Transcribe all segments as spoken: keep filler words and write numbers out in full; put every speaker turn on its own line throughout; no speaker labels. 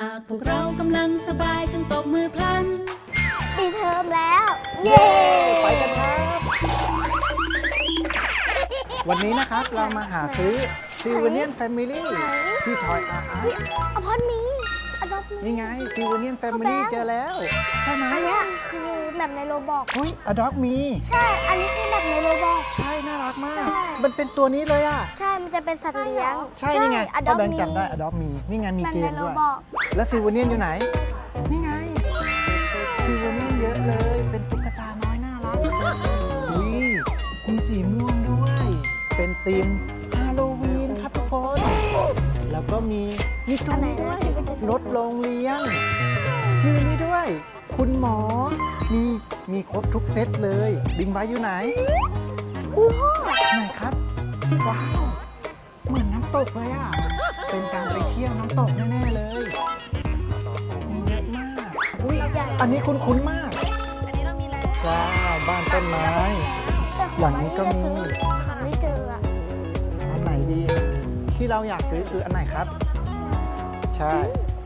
ากพวกเรากำลังสบายจงตบมือพลัน
ปิดเทอมแล้ว
เย้ไปกันครับวันนี้นะครับเรามาหาซื้อซิลเวเนียนแฟมิลี่ที่ทอยอาร์ต
อพอร์ตมีอดอปมี
นี่ไงซิลเวเนียนแฟมิลี่เจอแล้วใช่ไหม
อันนี้คือแบบในโรบอก
เฮ้ยอดอปมี
ใช่ อันนี้คือแบบในโรบอก
ใช่น่ารักมาก
ใช่
มันเป็นตัวนี้เลยอ่ะ
ใช่ มันจะเป็นสัตว์เลี้ยง
ใช่นี่ไง
อด
พ่
อ
อ
ป
แบง
มี
ค์จำได้อดอปมีนี่ไงมี
แบบ
เก
ใน
ม
โร
ด้วย
บอก
แล้วซิลเวเนียนอยู่ไหนนี่ไงซิลเวเนียนเยอะเลยเป็นตุ๊กตาน้อยน่ารักอุ้ยมีสีม่วงด้วยเป็นธีมฮาโลวีนครับทุกคนแล้วก็มีมีตัวนี้ด้วยรถโรงเรียนมีนี่ด้วย คุณหมอมีมีครบทุกเซตเลยบิงไบค์อยู่ไหน
อู้หู
ไหนครับว้าวเหมือนน้ำตกเลยอ่ะเป็นการไปเที่ยวน้ำตกแน่ๆเลยมีเยอะมากอุ้ยอันนี้คุ้นๆมากอันนี้เรามีแล้วใช่บ้านต้นไม้หลังนี้ก็มี
หาไม่เจออะ
อันไหนดี ที่เราอยากซื้อคืออันไหนครับ ใช่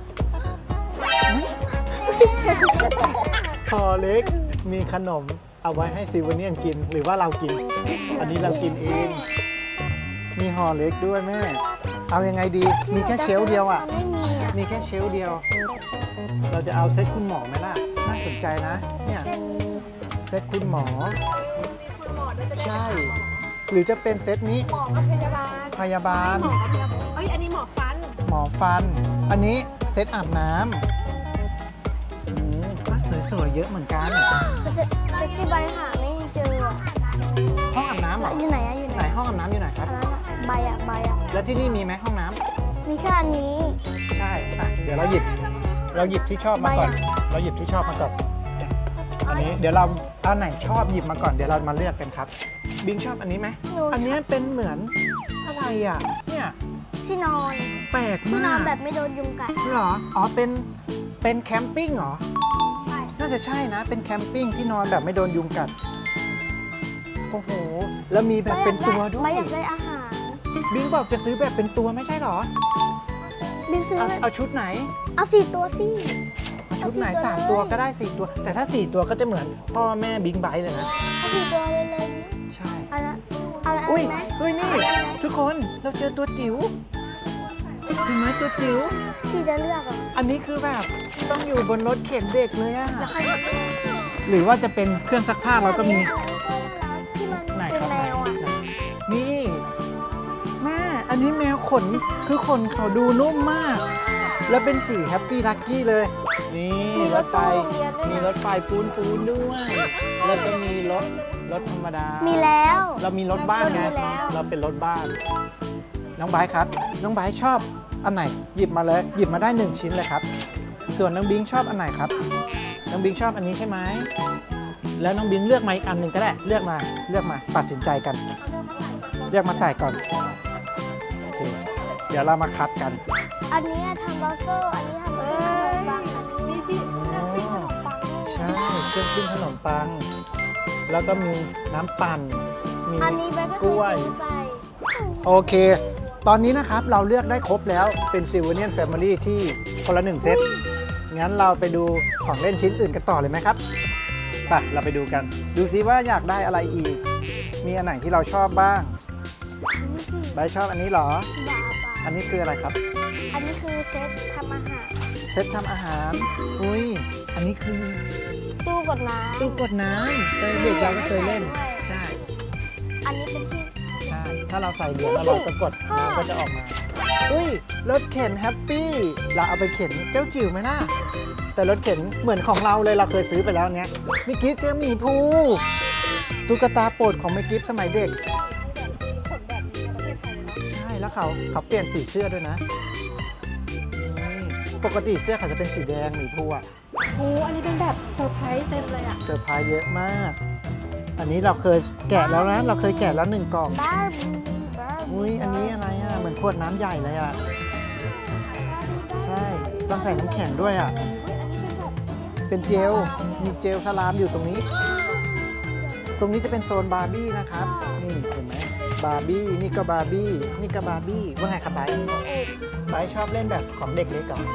พอเล็กมีขนมเอาไว้ให้ซิลเวเนียนกินหรือว่าเรากิน อันนี้เรากินเอง มีห่อเล็กด้วยแม่ เอายังไงดี มีแค่เชลฟ์เดียวอ่ะ
ไม่มีอะ
มีแค่เชลฟ์เดียว เราจะเอาเซตคุณหมอไหมล่ะ น่าสนใจนะ เนี่ย
แค่นี้
เซตคุณหมอ ใช่ หรือจะเป็นเซตนี้
หมอกับพยาบาล
พยาบาล
หมอกับพยาบาลเอ้ย อันนี้หมอฟัน
หมอฟัน อันนี้เซตอาบน้ำอืมก็สวยๆเยอะเหมือนกัน
แต่เซ็ตเซ็ตที่ใบหาไม่เจออะ
ห้องอาบน้ำเหรอ
อยู่ไหนอะอยู่ไห
ไห
น
นห้องอาบน้ำอยู่ไหนค
อั
รับ
นนั้นอะใบอะใบอะ
แล้วที่นี่มีไหมห้องน้ำ
มีแค่อันนี้
ใช่อ่ะเดี๋ยวเราหยิบ เราหยิบที่ชอบมาก่อน
ใบอะ
เราหยิบที่ชอบมาก่อนเนี่ยอันนี้เดี๋ยวเราอันไหนชอบหยิบมาก่อน เดี๋ยวเรามาเลือกกันครับ บิงชอบอันนี้ไหม
หนู
อันนี้เป็นเหมือนอะไรอ่ะ เนี่ย
ที่นอน
แปลก
ที่นอ
มาน ก
แบบไม่โดนยุงกัด
เหรอ อ๋อ เป็น เป็นแคมปิ้งเหรอ
ใช่
น่าจะใช่นะ เป็นแคมปิ้งที่นอนแบบไม่โดนยุงกัด โอ้โห แล้วมีแบบเป็นตัวด้ว
ใบ
ย
อยากได้อาหาร
บิงบอกจะซื้อแบบเป็นตัวไม่ใช่เหรอ
บินซื้อ
เอาเอาชุดไหน
เอาสี่ตัวสิ
เอาชุดไหน
เอาสี่ตัว
สาม
เลย
ตัวก็ได้สี่ตัว แต่ถ้าสี่ตัวก็จะเหมือนพ่อแม่บิงไบค์เลยนะ
เอาสี่ตัวเลยเลยนี่
ใช่
เอาละเอาละ
อุ้ย
ไหม
เฮ้ยนี่ ทุกคนเราเจอตัวจิ๋วเห็นไหมตัวจิ๋ว
ที่จะเลือกอ่ะ
อันนี้คือแบบต้องอยู่บนรถเข็นเด็กเลยอะ
แล้วใครจะเลือก
หรือว่าจะเป็นเครื่องซักผ้าเราก็มี
ที่มัน
ไหน
เป็น
ครับ
แมวอ่ะ
ไหนนี่แม่อันนี้แมวขนคือขนเขาดูนุ่มมาก แล้วเป็นสีแฮปปี้ลักกี้เลย นี่รถไฟมีรถไฟปูนปูนด้วยแล้วก็มีรถรถธรรมดา
มีแล้ว
เรามีรถบ้านไง
รถมีแล้ว
เราเป็นรถบ้าน น้องไบร์ทครับ น้องไบร์ทชอบอันไหน หยิบมาเลย หยิบมาได้หนึ่งชิ้นเลยครับ ส่วนน้องบิงชอบอันไหนครับ น้องบิงชอบอันนี้ใช่ไหม แล้วน้องบิงเลือกมาอีกอันหนึ่งก็ได้ เลือกมา เลือกมา ตัดสินใจกัน เลือกมาใส่ก่อน โอเค เดี๋ยวเรามาคัดกัน
อันนี้ทำบัฟเฟอร์อันนี้ทำบัฟเฟอร์บางอันนี้
มีที่น้ำพริกขนมปังด้วย
ใช่ เครื่องปิ้งขนมปัง แล้วก็มีน้ำปั่น มี
อันนี้ไปก็
กล้วย
ซื้อไป
โอเค ตอนนี้นะครับเราเลือกได้ครบแล้ว เป็นซิลเวเนียนแฟมิลี่ที่คนละหนึ่งเซต งั้นเราไปดูของเล่นชิ้นอื่นกันต่อเลยไหมครับ ไป เราไปดูกัน ดูซิว่าอยากได้อะไรอีก มีอันไหนที่เราชอบบ้าง ใบร์ทชอบอันนี้เหรอ
บาบา
อันนี้คืออะไรครับ
อันนี้คือเซตทำอาหาร
เซตทำอาหาร อุ้ย อันนี้คือ
ตู้กดน้ำ
ตู้กดน้ำตอนเด็กเราก็เคยเล่น ใช่
อันนี้เป็นที่
ใช่ ถ้าเราใส่เหรียญแล้วเราก็กดน้ำก็จะออกมา อุ้ย รถเข็นแฮปปี้ เราเอาไปเข็นเจ้าจิ๋วไหมล่ะ แต่รถเข็นเหมือนของเราเลยเราเคยซื้อไปแล้วเนี้ยมิกิฟเจอหมีภูตุ๊กตาโปรดของมิกิฟสมัยเด็ก
ขนแบบนี้ในประเทศไทยเลยเนาะ
ใช่ แล้วเขาเขาเปลี่ยนสีเสื้อด้วยนะนี่ปกติเสื้อเขาจะเป็นสีแดงหมีภูอะ
โอ้อันนี้เป็นแบบเซอร์ไพรส์เต็มเลยอ่ะ
เซอร์ไพรส์เยอะมาก อันนี้เราเคยแกะแล้วนะ เราเคยแกะแล้วหนึ่งกล่อง
บาร์บี้บาร์บี้
อุ้ย อันนี้อะไรอ่ะ เหมือนขวดน้ำใหญ่เลยอ่ะ ใช่ ต้องใส่น้ำแข็งด้วยอ่ะ เป็นเจล มีเจลสลามอยู่ตรงนี้ ตรงนี้จะเป็นโซนบาร์บี้นะครับ นี่เห็นไหมบาร์บี้นี่ก็บาร์บี้นี่ก็บาร์บี้ว่าไงครับไบร์ทไบร์ทชอบเล่นแบบของเด็กเล็กเหรอ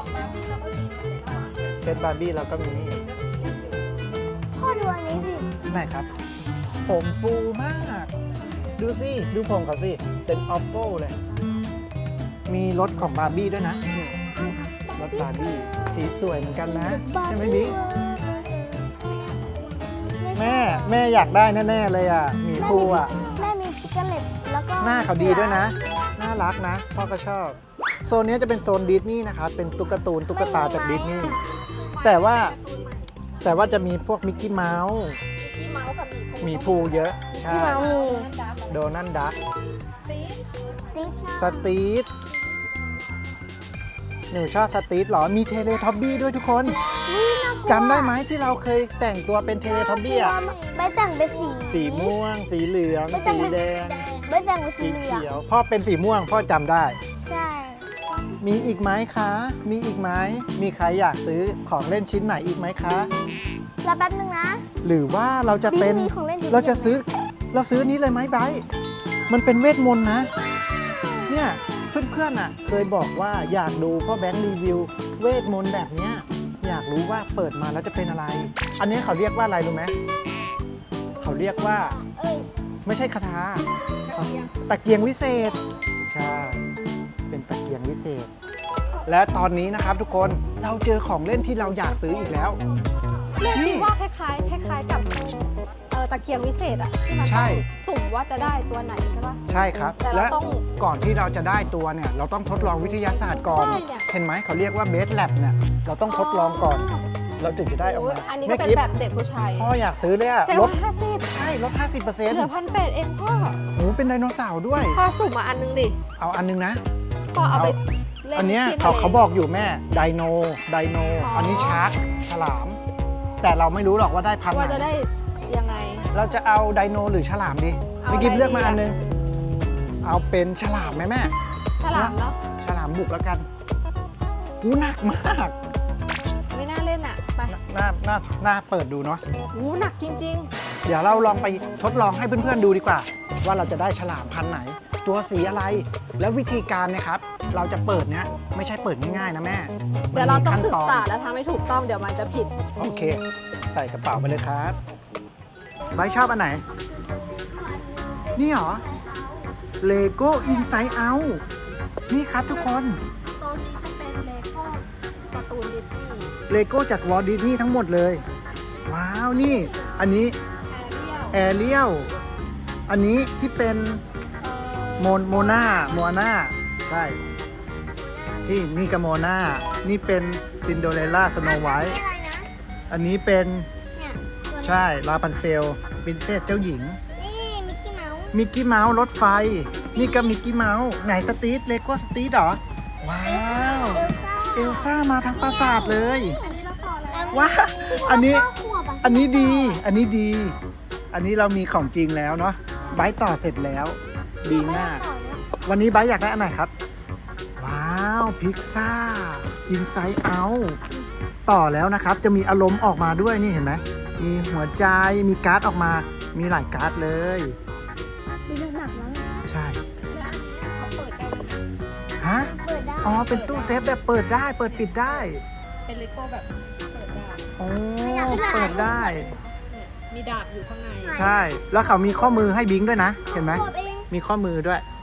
เซตบาร์บี้เราก็มี
พ่อดูอันนี้สิ
ไหนครับ ผมฟูมาก ดูสิ ดูผมเขาสิ เป็นออฟโฟเลย มีรถของบาร์บี้ด้วยนะนี่รถบาร์บี้สีสวยเหมือนกันนะใช่ไหมบิ๊กแม่แม่อยากได้แน่ๆเลยอ่ะหมีภูอ่ะ
แม่มีพิกเกเลตแล้วก็
หน้าเขาดีด้วยนะ น่ารักนะ พ่อก็ชอบ โซนนี้จะเป็นโซนดิสนีย์นะครับ เป็นตุ๊กตาตุ๊กตาจากดิสนีย์ แต่ว่าแต่ว่าจะมีพวกมิกกี้เมาส์
พี่เมาส์กับหมี
หมีภูเยอะ ใช่
ที่เรามี
โดนัลด์ดัก
สติ๊ก
สตีทหนูชอบสตีทเหรอ มีเทเลท็อบบี้ด้วยทุกคนจำได้ไหมที่เราเคยแต่งตัวเป็นเทเลท็อบบี้อะ
ใบแต่งเป็นสี
สีม่วง สีเหลือง
ใบแต่
สี
งเป็น
แดง
ใบแต่งเป็นสี
สี
เหลือง
เขียว พ่อเป็นสีม่วง พ่อจำได้
ใช่
มีอีกไหมคะ มีอีกไหม มีใครอยากซื้อของเล่นชิ้นไหนอีกไหมคะ
รอแป๊บนึงนะ
หรือว่าเราจะเป็น
มีของเล่นเยอะ
เราจะซื้อ เราซื้อนี้เลยไหมไบร์ทมันเป็นเวทมนต์นะ เนี่ยเพื่อนๆอ่ะ เคยบอกว่าอยากดูพ่อแบงค์รีวิว เวทมนต์แบบเนี้ยอยากรู้ว่าเปิดมาแล้วจะเป็นอะไร อันนี้เขาเรียกว่าอะไรรู้ไหมเขาเรียกว่า
เอ้ย
ไม่ใช่คาถาตะเกียงวิเศษ ใช่ เป็นตะเกียงวิเศษ และตอนนี้นะครับทุกคนเราเจอของเล่นที่เราอยากซื้ออีกแล้ว
แม่คิ
นี่
ดว่าคล้ายๆคล้ายๆกับเออตะเกียงวิเศษอะที่มัน
ใช่
ต้องสุ่มว่าจะได้ตัวไหนใช่ปะ
ใช่ครับ
แต่เรา
และ
ต้อง
ก่อนที่เราจะได้ตัวเนี่ย เราต้องทดลองวิทยาศาสตร์ก่อน
ใช่เนี่ย
เห็นไหมเขาเรียกว่าเบสแลบเนี่ย เราต้องทดลองก่อน เราถึงจะได้ออก
โอ้
มาย
อันนี้ก็
แม่
เป็น
กิฟ
แบบเด็กผู้ชาย
พ่ออยากซื้อเลยอะ
เซล
ล
ล์
ด
ห้าสิบ
ใช่ลด ห้าสิบเปอร์เซ็นต์
เหลือพันแปดเองพ่อ
โอ้โหเป็นไดโนเสาร์ด้วย
พอสุ่มมาอันนึงดิ
เอาอันนึงนะ
พ่อเอาไปเล่น
อันเนี้ย
ที่
เขา
ทะล
เขาบอกอยู่แม่ไดโนไดโน
อ๋ออั
อันนี้ชาร์กฉลาม แต่เราไม่รู้หรอกว่าได้พันธุ์
ว่า
ไห
จะ
น
ได้ยังไง
เราจะเอาไดโนหรือฉลามดี
เอา
ไม่กิฟ
อะไร
เลือกมา
ดีอะ
อันนึง เอาเป็นฉลามไหมแม่
ฉลามเนาะ
ฉลามบุกแล้วกันหูหนักมาก
ไม่น่าเล่นอ่ะไป
น่าน่าน่าเปิดดูเนาะ
หูหนักจริง
เดี๋ยวเราลองไปทดลองให้เพื่อนๆดูดีกว่า ว่าเราจะได้ฉลามพันธุ์ไหน ตัวสีอะไร แล้ววิธีการเนะครับ เราจะเปิดเนี้ยไม่ใช่เปิดง่ายๆนะแม่
ๆ เดี๋ยวเราต้อง
มันมี
ศึก
ขั้นน
ษาและทำให้ถูกต้องเดี๋ยวมันจะผิด
โอเค ใส่กระเป๋าไปเลยครับไบร์ทชอบอันไหน นี่เหรอ Lego Inside Out นี่ครับทุกคน
โซนนี้จะเป็นเลโก้การ์ตูนดิสนีย์
เลโก้จากวอลดิสนีย์ทั้งหมดเลย ว้าว นี่ อันนี้
แอเรียล
แอเรียล อันนี้ที่เป็นโมนโมนาโมนาใช่ ที่นี่กับโมนา นี่เป็นซินโดเรลล่าสโนไวท์
อะไรนะ
อันนี้เป็น
เนี่ยตัวนี้
ใช่ลาพันเซลปรินเซสเจ้าหญิง
นี่มิกกี้เมาส์
มิกกี้เมาส์รถไฟ นี่ก็มิกกี้เมาส์ไหนสตีทเลโก้สตีทเหรอ ว้าว
เอลซ่า
เอลซ่ามาทั้งปราสาทเลย
อันนี้เราต่อแล้ว
ว้าวอันนี้
เก้าขวบะ
อันนี้ดี อันนี้ดี อันนี้เรามีของจริงแล้วเนาะไบร์ทต่อเสร็จแล้ว ดีมาก วันนี้ไบร์ทอยากได้อันไหนครับ ว้าวพิซซ่าอินไซด์เอาต่อแล้วนะครับ จะมีอารมณ์ออกมาด้วยนี่เห็นไหม มีหัวใจ มีการ์ดออกมา มีหลายการ์ดเลย
ดูหนักแล้ว
ใช่
เขาเปิดได้เลยนะ
ฮะ
เปิดได้
อ๋อ เป็นตู้เซฟแบบเปิดได้ เปิดปิดได้
เป็นเลโก้แบบเปิดได้
โอ้ เปิดได้
เนี่ยมีดาบอยู่ข้างใน
ใช่ แล้วเขามีข้อมือให้บิงด้วยนะ เห็นไหม
ขวบเอง
มีข้อมือด้วย
ข